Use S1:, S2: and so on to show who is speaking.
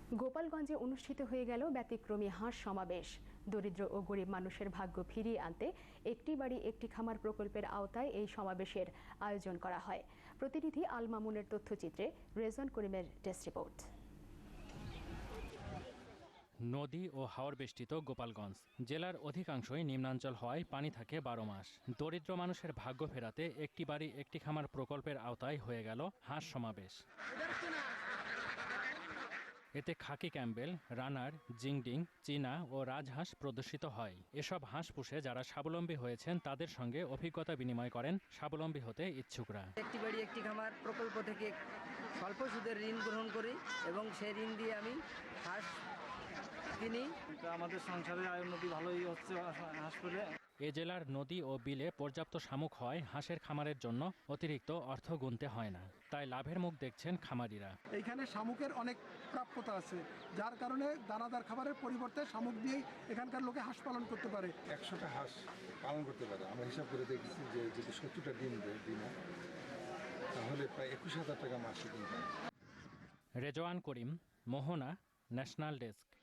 S1: গোপালগঞ্জে অনুষ্ঠিত হয়ে গেল ব্যতিক্রমী হাঁস সমাবেশ। দরিদ্র ও গরিব মানুষের ভাগ্য ফিরিয়ে আনতে একটি বাড়ি একটি খামার প্রকল্পের আওতায় এই সমাবেশের আয়োজন করা হয়। প্রতিনিধি আল মামুনের তথ্যচিত্রে রেজন করিমের ডেস্ক রিপোর্ট।
S2: নদী ও হাওর বেষ্টিত গোপালগঞ্জ জেলার অধিকাংশই নিম্নাঞ্চল হওয়ায় পানি থাকে 12 মাস। দরিদ্র মানুষের ভাগ্য ফেরাতে একটি বাড়ি একটি খামার প্রকল্পের আওতায় হয়ে গেল হাঁস সমাবেশ। এতে খাকি ক্যাম্বেল, রানার, জিংডিং, চীনা ও রাজহাঁস প্রদর্শিত হয়। এসব হাঁস পুষে যারা স্বাবলম্বী হয়েছেন তাদের সঙ্গে অভিজ্ঞতা বিনিময় করেন স্বাবলম্বী হতে ইচ্ছুকরা।
S3: একটি বাড়ি একটি খামার প্রকল্প থেকে স্বল্প সুদের ঋণ গ্রহণ করি এবং সেই ঋণ দিয়ে আমি হাঁস কিনি।
S4: আমাদের সংসারের আয় উন্নতি ভালোই হচ্ছে হাঁস পেলে।
S2: এ জেলার নদী ও বিলে পর্যাপ্ত শামুক হয় হাঁসের খামারের জন্য অতিরিক্ত অর্থ গুনতে হয় না, তাই লাভের মুখ দেখছেন খামারিরা।
S5: এইখানে শামুকের অনেক প্রাপ্যতা আছে, যার কারণে দানাদার খাবারের পরিবর্তে শামুক দিয়েই এখানকার লোকে হাঁস পালন করতে পারে।
S6: 100টা হাঁস পালন করতে পারে। আমরা হিসাব করে দেখেছি যে যদি 70টা ডিম দেয় দিনে, তাহলে প্রায় 21,000 টাকা মাসে income.
S2: Rezwan Karim, Mohona, national desk.